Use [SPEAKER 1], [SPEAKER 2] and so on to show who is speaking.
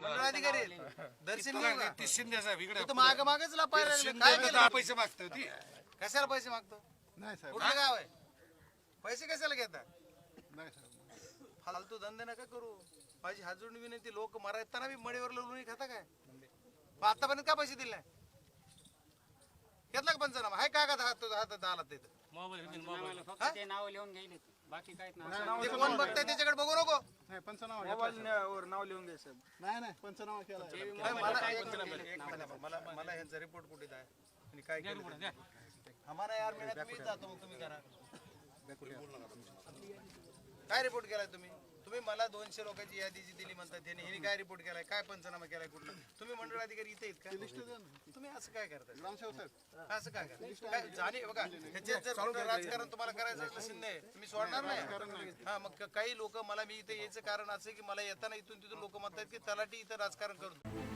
[SPEAKER 1] मंडळाधिकारी आहेत. दर्शन घेऊ का?
[SPEAKER 2] ती शिंदे साहेब इकडे
[SPEAKER 1] तू तर मागच लपायला लागले. काय
[SPEAKER 2] शिंदे
[SPEAKER 1] केलं?
[SPEAKER 2] पैसे मागतो ती
[SPEAKER 1] कशाला पैसे मागतो?
[SPEAKER 3] नाही साहेब
[SPEAKER 1] कुठलं गाव आहे? पैसे कशाला घेता?
[SPEAKER 3] नाही साहेब
[SPEAKER 1] फालतू धंदे नका करू. माझी हात जोडून विनंती, लोक मरायताना बी मडीवर लोणी खाता काय? मग आतापर्यंत का पैसे दिले नाही? घेतला का पंचनामा? हाय का हातात आला तिथं?
[SPEAKER 4] फक्त ते नाव लिहून घ्यायले बाकी काहीच नाही.
[SPEAKER 1] ते कोण बघताय त्याच्याकडे बघू नको.
[SPEAKER 3] नाही पंचनामा घेतला.
[SPEAKER 5] नाव लिहून घ्यायचं.
[SPEAKER 3] नाही नाही पंचनामा केला
[SPEAKER 1] मला ह्यांचा रिपोर्ट कुठे आहे आणि काय केलं? आम्हाला यार मिळत मी जातो, मग तुम्ही करा. काय रिपोर्ट केलाय तुम्ही? तुम्ही मला 200 लोकांची यादी जी दिली म्हणतात त्यांनी, ह्यांनी काय रिपोर्ट केलाय? काय पंचनामा केलाय? कुठला? तुम्ही मंडळ अधिकारी इथे आहेत का?
[SPEAKER 3] लिस्ट द्या ना.
[SPEAKER 1] तुम्ही असं काय करताय?
[SPEAKER 3] ग्रामसेवक साहेब
[SPEAKER 1] असं काय करताय? काय जाणे बघा, ह्याच्यात जर कुठं राजकारण तुम्हाला करायचं असलं शिंदे, तुम्ही सोडणार नाही. हा, मग काही लोक मला, मी इथे यायचं कारण असं की मला येताना इथून तिथून लोक म्हणतात की तलाठी इथं राजकारण करतो.